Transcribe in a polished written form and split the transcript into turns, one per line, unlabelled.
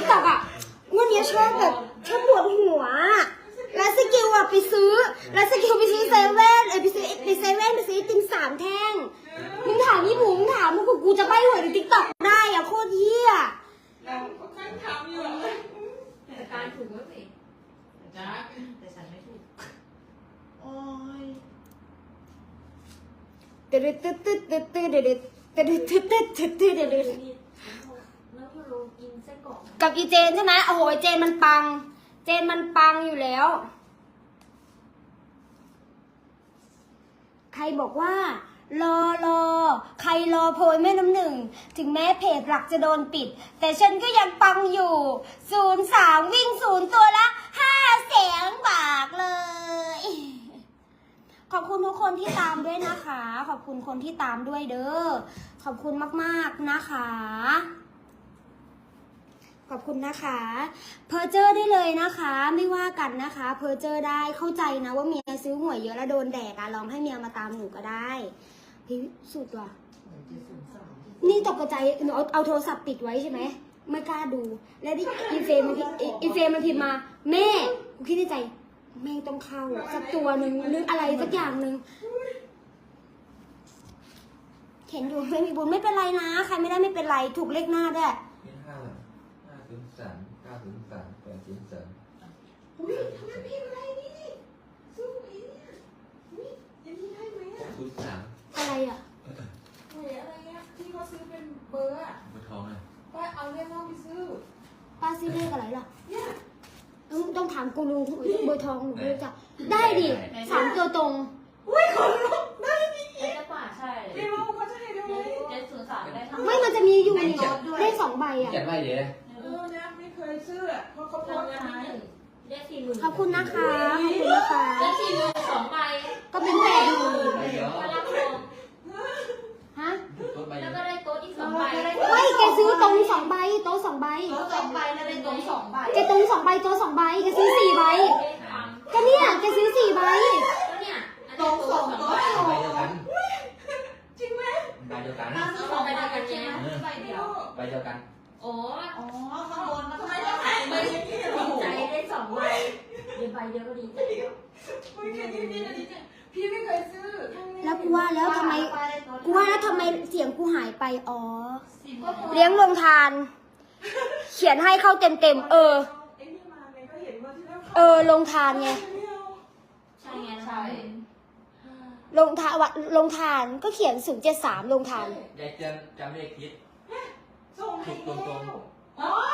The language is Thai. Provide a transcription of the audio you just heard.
ต็อกอ่ะวันนี้ชอบแบบชอบปวดหัวแล้วสกิลอ่ะไปซื้อแล้วสกิลไปซื้อเซเว่นไปซื้อเซเว่นไปซื้อติ่ม3 แท่งมึงถามยี่หมูมึงถามมึงกูจะใบ้หวยในติ๊กต็อกได้อ่ะโคตรเหี้ย
ฉันถามอยู่
แต่การถูกก็สิ
จ้า
แต่ฉันไม่ถูก
โอ้ย
ตึ๊ดตึ๊ดตึ๊ดตึ๊ดตึ๊ดตึ๊ดตึ๊ดตึ๊ดตึ๊ดตึ๊ดตึ๊ดตึ๊ดตึ๊ด
แล้วยูโรกินไส้กรอก
กับอีเจนใช่ไหมโอ้โหเจนมันปังอยู่แล้วใครบอกว่ารอใครรอโพยแม่น้ำหนึ่งถึงแม้เพจหลักจะโดนปิดแต่ฉันก็ยังปังอยู่03วิ่ง0ตัวละ500,000 บาทเลยขอบคุณทุกคนที่ตามด้วยนะคะขอบคุณคนที่ตามด้วยเด้อขอบคุณมากๆนะคะขอบคุณนะคะเพอเจอร์ได้เลยนะคะไม่ว่ากันนะคะเพอเจอร์ได้เข้าใจนะว่าเมียซื้อหวยเยอะแล้วโดนแดกอะลองให้เมียมาตามหนูก็ได้พี่สุดว่ะนี่ตกใจหนูเอาโทรศัพท์ปิดไว้ใช่ไหมไม่กล้าดูแล้วดิอีเฟมมันพิมพ์มาแม่กูคิดในใจแม่งต้องเข้าสักตัวหนึ่งนึกอะไรสักอย่างหนึ่งเห็นอยู่ไม่มีบุญไม่เป็นไรนะใครไม่ได้ไม่เป็นไรถูกเลขหน้าได้
อุ้ยทำไมพี่อะไรนี่สู้ไอ้เนี่ยอุ้ยยังมีได้ไหมอ่ะ
อะไรอ่ะ
หวยอะไรอ่ะที่เขาซื้อเป็นเบอร์อ่ะป้าเอาเลขนอกไปซื้อ
ป้าซื้อเลขอะไรล่ะ
เนี่ย
ต้องถามกูรูเบอร์ทองหนูไม่รู้จักได้ดิ3 ตัวตรง
อุ้ยขนลุกได้ดิ
ไอ้จะป่าใช่
พี่รู้เขาจะให้ได้ไหม
703ได้ทั้ง
ไม่มันจะมีอยู่เลข2 ใบอ่ะ
เขียนไว้เดี๋ยว
เนี่ยไม่เคยซื้ออ่ะเพราะเขาโพ
ราง
สต์
วัล
ขาย
ที่1ได้40,000
ขอบคุณนะคะขอบคุณนะคะ
ได้40,000 2 ใบ
ก็เป็น80,000
ก็รับรอง
ฮะ
ต้นใบ
แล้วก็ได้โต๊ะอีก2 ใบ
เฮ้ยแกซื้อตรง2 ใบโต๊ะ2 ใบ
โต๊ะ2 ใบแล้วได้โต๊ะ2 ใบ
แกตรง2 ใบโต๊ะ2 ใบแกซื้อ4 ใบก็เนี่ยแกซื้อ4 ใบ
ก็เนี่ยตรง2 ใบ
ใบเดียวกัน
จริงไหม
ใบเดียวกัน
ซื้อ2 ใบเดียวกันใช่ไหมใบเดียว
ใบเดียวกัน
โอ้
อ๋อข้างบนทำไมต้องขายใบอย่างนี้เหรอ
ดีใจได้2 ใบเดียวใบเดียวก็ดีใจ
อุ้ยแค่นี้พี่นะดิเจพี่ไม่เคยซื้อ
แล้วกูว่าแล้วทำไมเสียงกูหายไปอ๋อเลี้ยงลงทาน เขียนให้เข้าเต็ม
ไอ้นี่มาไงก็เห็นว่าที่แล้ว
ลงทานไง
ใช่ไงใช่
ลงทานก็เขียน073ลงทาน
ยายเตือนจำเลขคิด
ส่งให้
ถูกตรง
อ๋อ